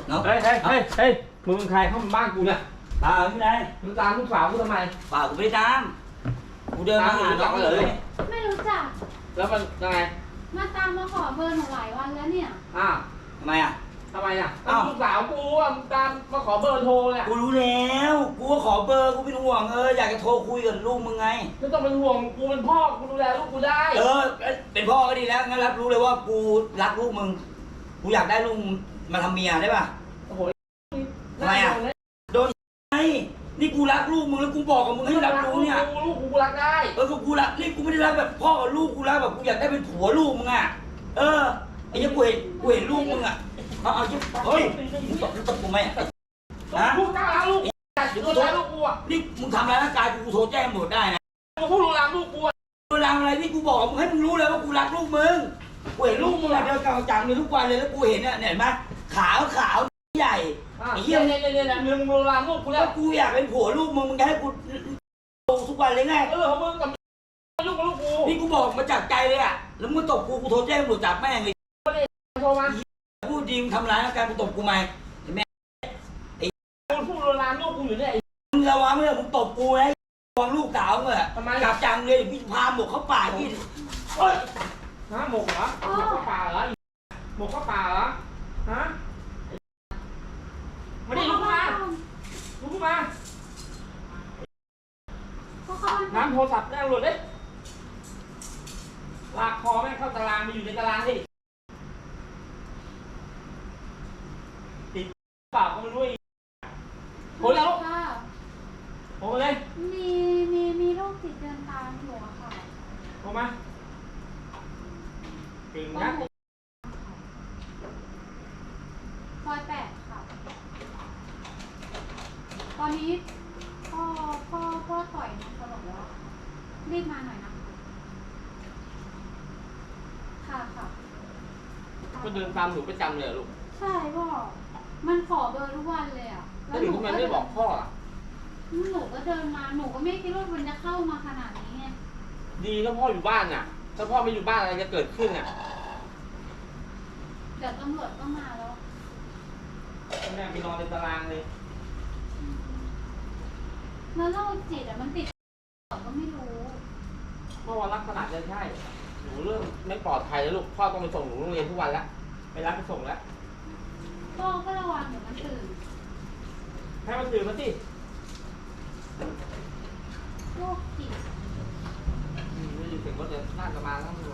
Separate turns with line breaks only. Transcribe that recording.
เนาะ
เฮ้ยมึงเป็นใครเข้ามาบ้านกูเนี่ย
ตาที่ไหน
มึงตามลูกสาวกูทำไม
ป่ากูไม่ได้ตามกูเดินมาหาน้องเลย
ไม่รู้จัก
แล้วมันยังไง
มาตามมาขอเบอร์หนูหลายวันแล้วเนี่ย
อ้าว
ทำไมอ่ะ
ทำไมอ่ะ
อ้าว
ลูกสาวกูอ่ะมึงตามมาขอเบอร์โทรเนี่ย
กูรู้แล้วกูก็ขอเบอร์กูเป็นห่วงอยากจะโทรคุยกับลูกมึงไง
ไม่ต้องเป็นห่วงกูเป็นพ่อกูดูแลลูกกูได้
เป็นพ่อก็ดีแล้วงั้นรับรู้เลยว่ากูรักลูกมึงกูอยากได้ลูกมาทำเมียได้ป่ะ
โอ้โห
ทำไมอ่ะ ไอ้นี่กูรักลูกมึงแล้วกูบอกกับมึงให้รับรู้เนี่ย
ลูกกูรักได้
กูรักนี่กูไม่ได้รักแบบพ่อกับลูกกูรักแบบกูอยากได้เป็นผัวลูกมึงอ่ะไอ้เนี่ยกูเห็นลูกมึงอ่ะเอาจิ๊บเฮ้ยมึงตบกูไหมฮะ
ลูกกล้าลูกดูแลลูกกูอ่ะ
นี่มึงทำร้ายร่างกายกูโทรแจ้งตำรวจได้นะ
มึงพูดลามลูกกูอ่ะ
เวลาอะไรนี่กูบอกมึงให้มึงรู้เลยว่ากูรักลูกมึงกูเห็นลูกมึงอะเดินกลางจังเลยทุกวันเลยแล้วกูเห็นเนี่ยเห็นไหมขาวใหญ่ไอ้เหี้ย
เนี่ยมึงลามลูกกูแล้
แล้ว วกูอยากเป็นผัวลูกมึงจะให้กูทุกวันเลยไง
ของมึงกับลูกกู
นี่กูบอกมาจากใจเลยอ่ะแล้วมึงตบกูโทรแจ้งตำรวจจับแม่งเลย
โทรมา
พูดดีมึงทำร้ายร่างกายมึงตบกูไหมแม่
พูดลามลูกกูอยู่เนี่ย
มึงระวังเลยมึงตบกูนะระวังลูกสาวมึงอะจับจังเลยพี่พาหมกเข้าป่าพี่
ฮะหมกเหรอหมกเข้าป่าเหรอหมกเข้าป่าเหรอฮะมาดิลุกมาลุกมาน้ำโทรศัพท์แน่หลุดเลยลากคอแม่งเข้าตารางไปอยู่ในตารางดิติดเปล่าก็ไม่รู้อีกโหแล้วโหเลย
มีโรคติดเดินตามอยู่อะค่ะ
โหมาติ่งนะ
ซอย8ค่ะ ตอนนี้พ่อต่อยน้องสลบแล้วรีบมาหน่อยนะค่ะ
ก็เดินตามหนูประจำเลยลูก
ใช่พ่อมันขอเบอร์ทุกวันเลยอ่ะ
แล้วหนูทำไมไม่บอกพ่ออ่ะ
หนูก็เดินมาหนูก็ไม่คิดว่ามันจะเข้ามาขนาดนี้ไง
ดีถ้าพ่ออยู่บ้านน่ะ ถ้าพ่อไม่อยู่บ้านอะไรจะเกิดขึ้นอ่ะ
เดี๋ยวตำรวจก็มาแล้ว
แม่ไปนอนในตารางเลย
แล้วโรคจิตอ่ะมันติดก็ไม่รู้
เมื่อวันลักษณะจะใช่ หนูเริ่มไม่ปลอดภัยแล้วลูก พ่อต้องไปส่งหนูโรงเรียนทุกวันแล้ว ไปรับไปส่งแล้ว
พ่อก็ระวังเดี๋ยวมันตื่น
ให้มันตื่นมาสิ
โรคจิต
ไม่อยู่ถึงก็จะน่าจะมาแล้วมึง